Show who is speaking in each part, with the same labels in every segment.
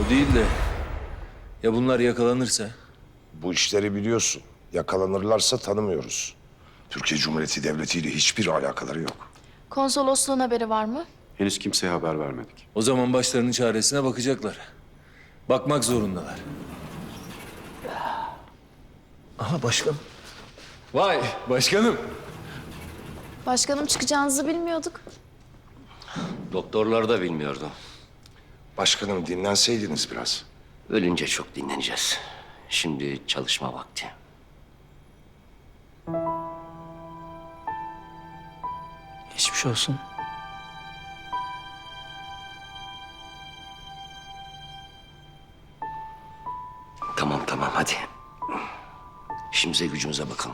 Speaker 1: O değil de ya bunlar yakalanırsa?
Speaker 2: Bu işleri biliyorsun. Yakalanırlarsa tanımıyoruz. Türkiye Cumhuriyeti Devleti ile hiçbir alakaları yok.
Speaker 3: Konsolosluğun haberi var mı?
Speaker 4: Henüz kimseye haber vermedik.
Speaker 1: O zaman başlarının çaresine bakacaklar. Bakmak zorundalar. Aha başkan. Vay başkanım.
Speaker 3: Başkanım çıkacağınızı bilmiyorduk.
Speaker 5: Doktorlar da bilmiyordu.
Speaker 2: Başkanım dinlenseydiniz biraz.
Speaker 5: Ölünce çok dinleneceğiz. Şimdi çalışma vakti.
Speaker 6: Geçmiş olsun.
Speaker 5: Tamam tamam hadi. İşimize gücümüze bakalım.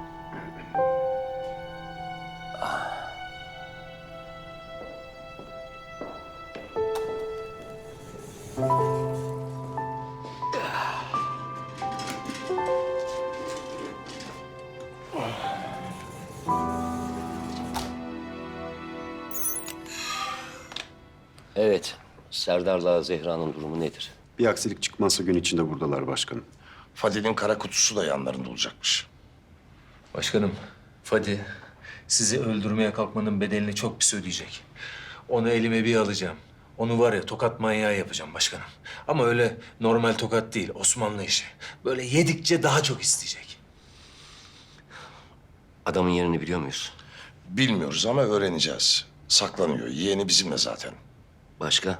Speaker 5: Evet, Serdar'la Zehra'nın durumu nedir?
Speaker 4: Bir aksilik çıkmazsa gün içinde buradalar başkanım.
Speaker 2: Fadil'in kara kutusu da yanlarında olacakmış.
Speaker 1: Başkanım, Fadi sizi öldürmeye kalkmanın bedelini çok pis ödeyecek. Onu elime bir alacağım. Onu var ya tokat manyağı yapacağım başkanım. Ama öyle normal tokat değil, Osmanlı işi. Böyle yedikçe daha çok isteyecek.
Speaker 5: Adamın yerini biliyor muyuz?
Speaker 2: Bilmiyoruz ama öğreneceğiz. Saklanıyor. Yeğeni bizimle zaten.
Speaker 5: Başka?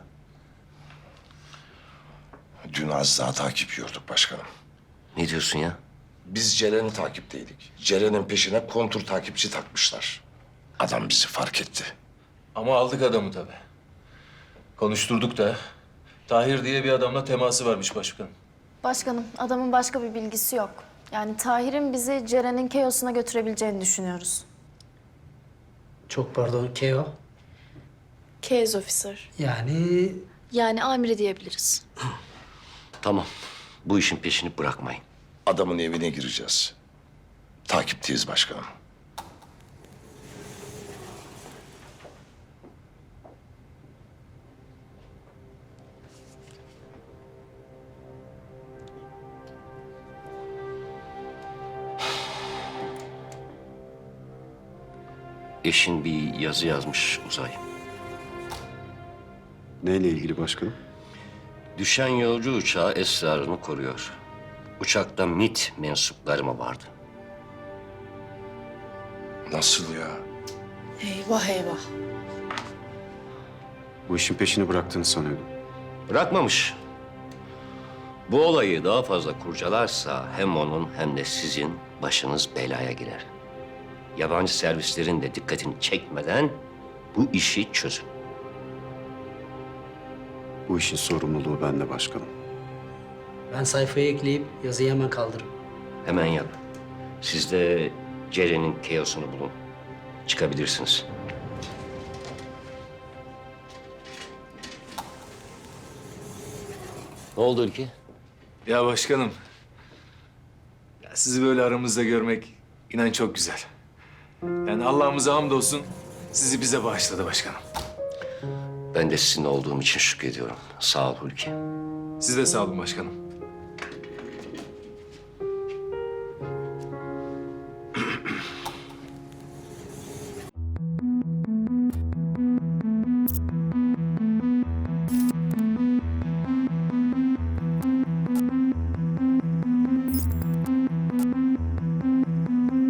Speaker 2: Dün az daha takip yiyorduk başkanım.
Speaker 5: Ne diyorsun ya?
Speaker 2: Biz Ceren'i takipteydik. Ceren'in peşine kontur takipçi takmışlar. Adam bizi fark etti.
Speaker 1: Ama aldık adamı tabii. Konuşturduk da. Tahir diye bir adamla teması varmış başkanım.
Speaker 3: Başkanım adamın başka bir bilgisi yok. Yani Tahir'in bizi Ceren'in Keos'una götürebileceğini düşünüyoruz.
Speaker 6: Çok pardon, Keo.
Speaker 3: Case officer.
Speaker 6: Yani
Speaker 3: Yani amiri diyebiliriz.
Speaker 5: Tamam, bu işin peşini bırakmayın.
Speaker 2: Adamın evine gireceğiz. Takipteyiz başkanım.
Speaker 5: Eşin bir yazı yazmış Uzay.
Speaker 4: Neyle ilgili başkanım?
Speaker 5: Düşen yolcu uçağı esrarını koruyor. Uçakta MİT mensupları mı vardı?
Speaker 2: Nasıl ya?
Speaker 3: Eyvah eyvah.
Speaker 4: Bu işin peşini bıraktığını sanıyordum.
Speaker 5: Bırakmamış. Bu olayı daha fazla kurcalarsa hem onun hem de sizin başınız belaya girer. Yabancı servislerin de dikkatini çekmeden bu işi çözün.
Speaker 4: Bu işin sorumluluğu bende başkanım.
Speaker 6: ben sayfayı ekleyip yazıyı hemen kaldırırım.
Speaker 5: Hemen yap. Siz de Ceren'in Keos'unu bulun. Çıkabilirsiniz. Ne oldu Ülke?
Speaker 1: Ya başkanım. Ya sizi böyle aramızda görmek inan çok güzel. Yani Allah'ımıza hamdolsun sizi bize bağışladı başkanım.
Speaker 5: Ben de sizinle olduğum için şükrediyorum. Sağ ol Hulki.
Speaker 1: Siz de sağ olun başkanım.